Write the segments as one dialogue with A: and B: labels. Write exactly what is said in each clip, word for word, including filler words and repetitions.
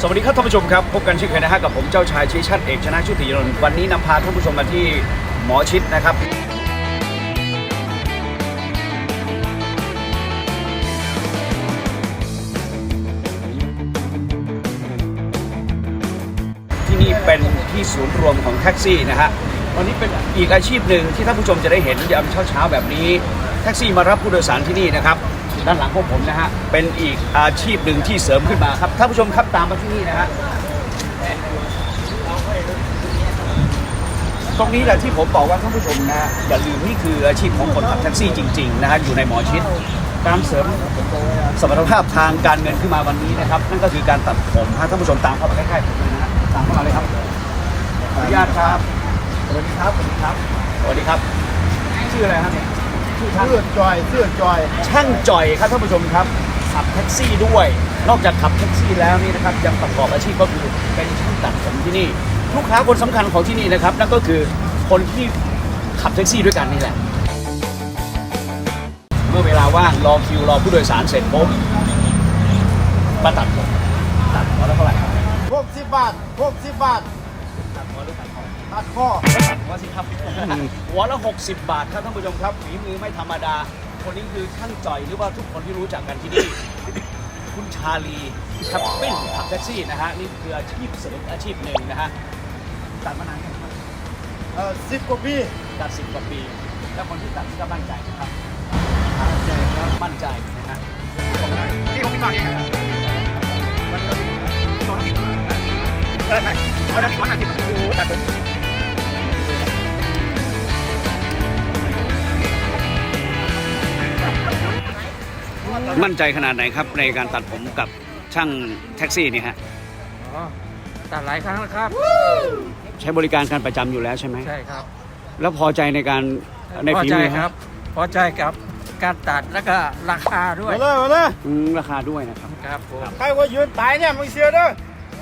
A: สวัสดีครับท่านผู้ชมครับพบกันเช่นเคยนะฮะกับผมเจ้าชายชี้ชัดเอกชนะชุติยนนท์วันนี้นำพาท่านผู้ชมมาที่หมอชิดนะครับที่นี่เป็นที่ศูนย์รวมของแท็กซี่นะฮะวันนี้เป็นอีกอาชีพหนึ่งที่ท่านผู้ชมจะได้เห็นยามเช้าๆแบบนี้แท็กซี่มารับผู้โดยสารที่นี่นะครับด้านหลังของผมนะฮะเป็นอีกอาชีพหนึ่งที่เสริมขึ้นมาครับท่านผู้ชมครับตามมาที่นี่นะฮะตรงนี้แหละที่ผมบอกว่าท่านผู้ชมนะอย่าลืมนี่คืออาชีพของคนขับแท็กซี่จริงๆนะฮะอยู่ในหมอชิดการเสริมสมรรถภาพทางการเงินขึ้นมาวันนี้นะครับนั่นก็คือการตัดผมฮะท่านผู้ชมตามเข้ามาใกล้ๆผมเลยนะฮะตามเข้ามาเลยครับขออนุญาตครับสวัสดีครับสวัสดีครับสวัสดีครับชื่ออะไรครับเนี่ยชื่อช่าง
B: เสื้อจอยเสื้อจอย
A: ช่างจ่อยครับท่านผู้ชมครับขับแท็กซี่ด้วยนอกจากขับแท็กซี่แล้วนี่นะครับยังประกอบอาชีพก็คือเป็นช่างตัดผมที่นี่ลูกค้าคนสำคัญของที่นี่นะครับนั่นก็คือคนที่ขับแท็กซี่ด้วยกันนี่แหละเมื่อเวลาว่างรอคิวรอผู้โดยสารเสร็จปุ๊บมาตัดผมตัดหัวแล้วเท่าไหร่ครับ
B: หกสิบบาทหกสิบบาท
A: ตัดหัวหรือตัดคอ
B: ตัดข้อ
A: ตัดหัวสิครับหัวละหกสิบบาทครับท่านผู้ชมครับฝีมือไม่ธรรมดาคนนี้คือช่างจ่อยหรือว่าทุกคนที่รู้จักกันที่นี่คุณชาลีขับปิ้นขับแท็กซี่นะฮะนี่คืออาชีพเสริมอาชีพหนึ่งนะฮะตัดมานานยังครับ
B: เอ่อสิบกว่าปี
A: ตัดสิบกว่าปีแล้วคนที่ตัดก็มั่นใจนะครับ
B: ใจครับ
A: มั่นใจนะฮะ
B: นี่ผมมีฟังเองมันก็สองสิบเออใช่เอาได้ร้อยห้าสิบโอ้โหตัดผม
A: มั่นใจขนาดไหนครับในการตัดผมกับช่างแท็กซี่นี่ฮะ
C: อ๋อตัดหลายครั้งแล้วครับ
A: ใช้บริการการประจำอยู่แล้วใช่ไหม
C: ใช่ครับ
A: แล้วพอใจในการใน
C: พอ
A: ฝี
C: ใจ
A: มือ
C: ครับ พอใจกับการตัดแล้วก็ราคาด้วย
B: มาเลยมาเลย
A: อืมราคาด้วยนะครับ
C: ครับผม
B: ใครว่ายืนตายเนี่ยมึงเสียเด้อ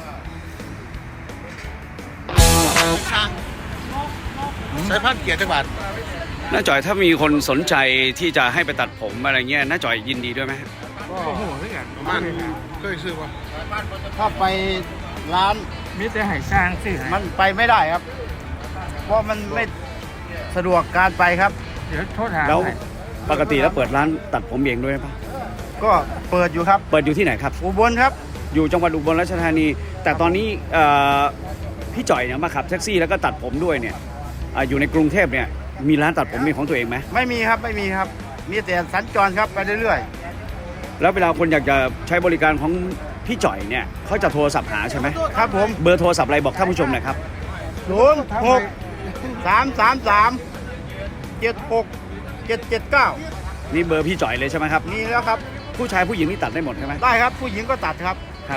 D: ใช้พันเกียรติจังหวัด
A: น้าจ่อยถ้ามีคนสนใจที่จะให้ไปตัดผมอะไรเงี้ยน้าจ่อยยินดีด้วยไหม
C: โอ้โหเรื่อง
D: ประมาณเคยซื้อป่ะ
B: ถ้าไปร้าน
C: มิแต่ให้สร้างซื้อให้
B: มันไปไม่ได้ครับ เพราะมันไม่สะดวกการไปครับ
C: เดี๋ยวโทษหา
A: แล้ว
C: ให้
A: ปกติแล้วเปิดร้านตัดผมเองด้วยปะ
B: ก็เปิดอยู่ครับ
A: เปิดอยู่ที่ไหนครับ
B: อุบลครับ
A: อยู่จังหวัดอุบลราชธานี แต่ตอนนี้เอ่อพี่จ่อยเนี่ยมาขับแท็กซี่แล้วก็ตัดผมด้วยเนี่ยอ่าอยู่ในกรุงเทพเนี่ยมีร้านตัดผมเป็นของตัวเองไหม
B: ไม่มีครับไม่มีครับ มีแต่สัญจรครับไปเรื่อย
A: แล้วเวลาคนอยากจะใช้บริการของพี่จ่อยเนี่ยเขาจะโทรศัพท์หาใช่ไหม
B: ๆครับผม
A: เบอร์โทรศัพท์อะไรบอกท่านผู้ชมหน่อยครับ
B: ศูนย์หกสามสามสามเจ็ดหกเจ็ดเจ็ดเก้า
A: นี่เบอร์พี่จ่อยเลยใช่ไหมครับ
B: มีแล้วครับ
A: ผู้ชายผู้หญิงนี่ตัดได้หมดใช่ไหม
B: ได้ครับผู้หญิงก็ตัดครับ
A: ครับ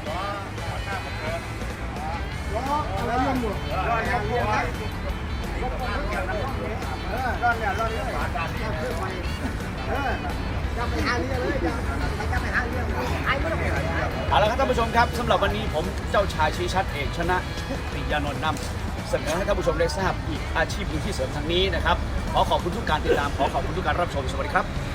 A: เอาละครับท่านผู้ชมครับสำหรับวันนี้ผมเจ้าชายชี้ชัดเอกชนะชุติยานนท์นำเสนอให้ท่านผู้ชมได้ทราบอีกอาชีพหนึ่งที่เสริมทางนี้นะครับขอขอบคุณทุกการติดตามขอขอบคุณทุกการรับชมสวัสดีครับ